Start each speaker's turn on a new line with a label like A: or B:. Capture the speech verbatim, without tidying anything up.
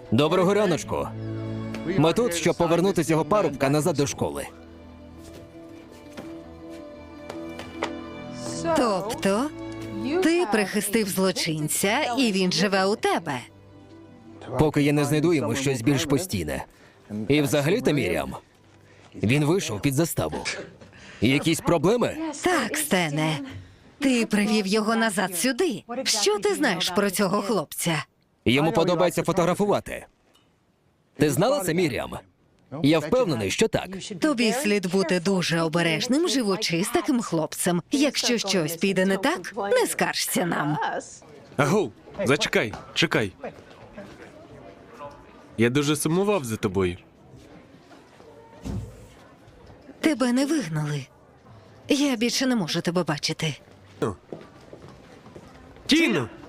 A: Доброго раночку. Ми тут, щоб повернути цього парубка назад до школи.
B: Тобто, ти прихистив злочинця, і він живе у тебе.
A: Поки я не знайду йому щось більш постійне. І взагалі-то, Мір'ям, він вийшов під заставу. Якісь проблеми?
B: Так, Стене. Ти привів його назад сюди. Що ти знаєш про цього хлопця?
A: Йому подобається фотографувати. Ти знала це, Мір'ям? Я впевнений, що так.
B: Тобі слід бути дуже обережним, живучи з таким хлопцем. Якщо щось піде не так, не скаржся нам.
C: Агов, зачекай, чекай. Я дуже сумував за тобою.
B: Тебе не вигнали. Я більше не можу тебе бачити.
C: Тіно!